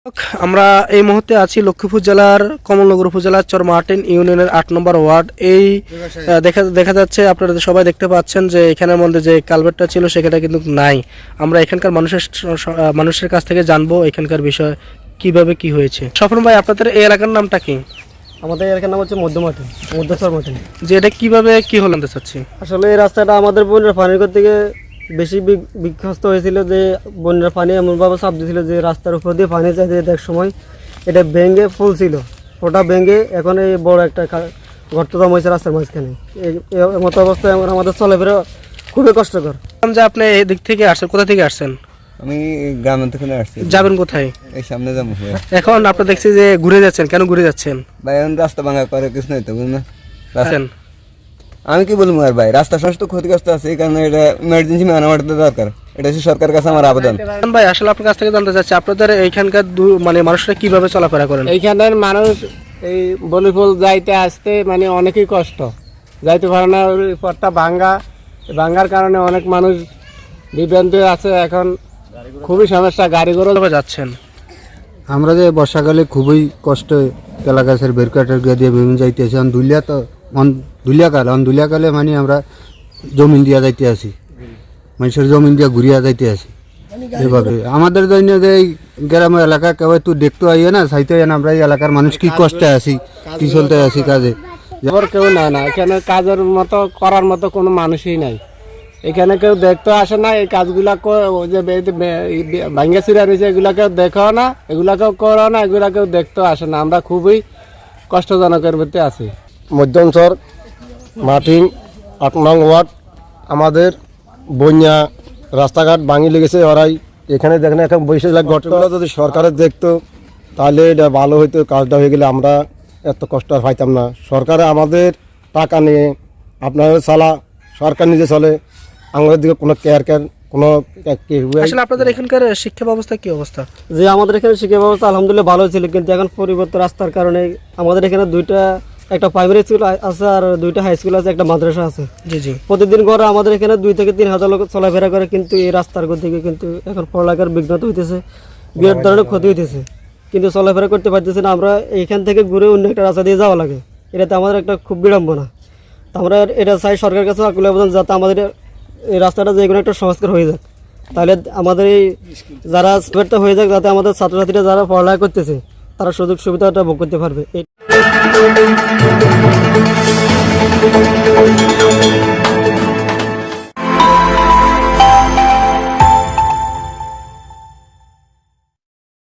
আমরা এই মুহূর্তে আছি লক্ষ্মীপুর জেলার কমলনগর উপজেলার চরমার্টিন ইউনিয়নের ৮ নম্বর ওয়ার্ড। এই দেখা যাচ্ছে, আপনারা সবাই দেখতে পাচ্ছেন যে এখানের মধ্যে যে কালভার্টটা ছিল সেটা কিন্তু নাই। আমরা এখানকার মানুষের কাছ থেকে জানবো এখানকার বিষয় কিভাবে কি হয়েছে। স্বপন ভাই, আপনাদের এই এলাকার নামটা কি? আমাদের এলাকার নাম হচ্ছে মধ্যচর মাটি। যে এটা কিভাবে কি হলো জানতে চাচ্ছি। আসলে এই রাস্তাটা আমাদের বন্যার পানির থেকে বেশি বিধ্বস্ত হয়েছিল, যে বন্যার পানি এমনভাবে চাপ দিয়েছিল যে রাস্তার উপর দিয়ে পানি চাইতে এক সময় এটা ভেঙে ফুল ছিল, ওটা ভেঙে এখন এই বড় একটা গর্তদম হয়েছে রাস্তার মাঝখানে। এই মতো অবস্থায় আমাদের চলাফেরা খুবই কষ্টকর। যে আপনি এই দিক থেকে আসছেন, কোথা থেকে আসছেন? আমি গ্রামের থেকে আসছি। যাবেন কোথায়? এই সামনে যাবো। এখন আপনার দেখছি যে ঘুরে যাচ্ছেন, কেন ঘুরে যাচ্ছেন ভাই? এখন রাস্তা ভাঙা করে কিছু নাই তো, বুঝলেন? আছেন আমি কি বলবো আর ভাই, রাস্তা সমস্ত ক্ষতিগ্রস্ত আছে, এই কারণে এটা ইমার্জেন্সি মেরামত দরকার। এটা হচ্ছে সরকারের কাছে আমার আবেদন। ভাই, আসলে আপনার কাছ থেকে জানতে চাচ্ছি, আপনাদের এইখানকার মানুষরা কিভাবে চলাফেরা করেন? এইখানের মানুষ এই বলিফুল যাইতে আসতে অনেকই কষ্ট, যাইতে পারে না। ওই পথটা ভাঙ্গার কারণে অনেক মানুষ বিভ্রান্ত আছে। এখন খুবই সমস্যা, গাড়ি ঘোড়া যাচ্ছেন। আমরা যে বর্ষাকালে খুবই কষ্ট, কেলা গাছের বেরকাটের গিয়ে দিয়ে বিভিন্ন যাইতে আছি। দুলিয়াকালে আমরা জমিন দিয়া যাইতে আছি, মানুষের জমিন দিয়া ঘুরিয়া যাইতে আছি। এভাবে আমাদের জন্য যে এই গ্রাম এলাকা কেউ একটু দেখতে আইয়ে না, চাইতে না আমরা এই এলাকার মানুষ কি কষ্টে আছি, কি চলতে আছি কাজে। কেউ নেয় না, এখানে কাজের মতো করার মতো কোনো মানুষই নাই। এখানে কেউ দেখতে আসে না। এই কাজগুলা যে ভাঙ্গা চিরা রয়েছে এগুলা কেউ দেখো না, এগুলা কেউ করো না, এগুলা কেউ দেখতেও আসে না। আমরা খুবই কষ্টজনকের মধ্যে আছি। মধ্যঞ্চর মাটিং ৮ নং ওয়ার্ড। আমাদের বন্যা রাস্তাঘাট ভাঙি লেগেছে। ওরাই এখানে দেখেন এখন বসে ঘটনাগুলো যদি সরকারের দেখতো তাহলে এটা ভালো হইতো। কাজটা হয়ে গেলে আমরা এত কষ্ট আর পাইতাম না। সরকারে আমাদের টাকা নিয়ে আপনাদের সরকার নিজে চলে, আমাদের দিকে কোনো কেয়ার কোনো। আসলে আপনাদের এখানকার শিক্ষা ব্যবস্থা কি অবস্থা? যে আমাদের এখানে শিক্ষা ব্যবস্থা আলহামদুলিল্লাহ ভালো ছিল, কিন্তু এখন পরিবর্তন রাস্তার কারণে আমাদের এখানে একটা প্রাইমারি স্কুল আছে আর 2টা হাই স্কুল আছে, একটা মাদ্রাসা আছে। জি জি। প্রতিদিন করে আমাদের এখানে 2 থেকে 3 হাজার লোক চলাফেরা করে, কিন্তু এই রাস্তার দিকে কিন্তু এখন পড়ালেখার বিঘ্নত হইতেছে, বিরাট ধরনের ক্ষতি হইতেছে, কিন্তু চলাফেরা করতে পারতেছে না। আমরা এইখান থেকে ঘুরে অন্য একটা রাস্তা দিয়ে যাওয়া লাগে, এটাতে আমাদের একটা খুব বিড়ম্বনা। আমরা এটা চাই সরকারের কাছে আকুল আবেদন, যাতে আমাদের এই রাস্তাটা যে কোনো একটা সংস্কার হয়ে যাক, তাহলে আমাদের এই যারা সুবিধা হয়ে যাক, যাতে আমাদের ছাত্রছাত্রীরা যারা পড়ালেখা করতেছে তারা সুযোগ সুবিধাটা ভোগ করতে পারবে।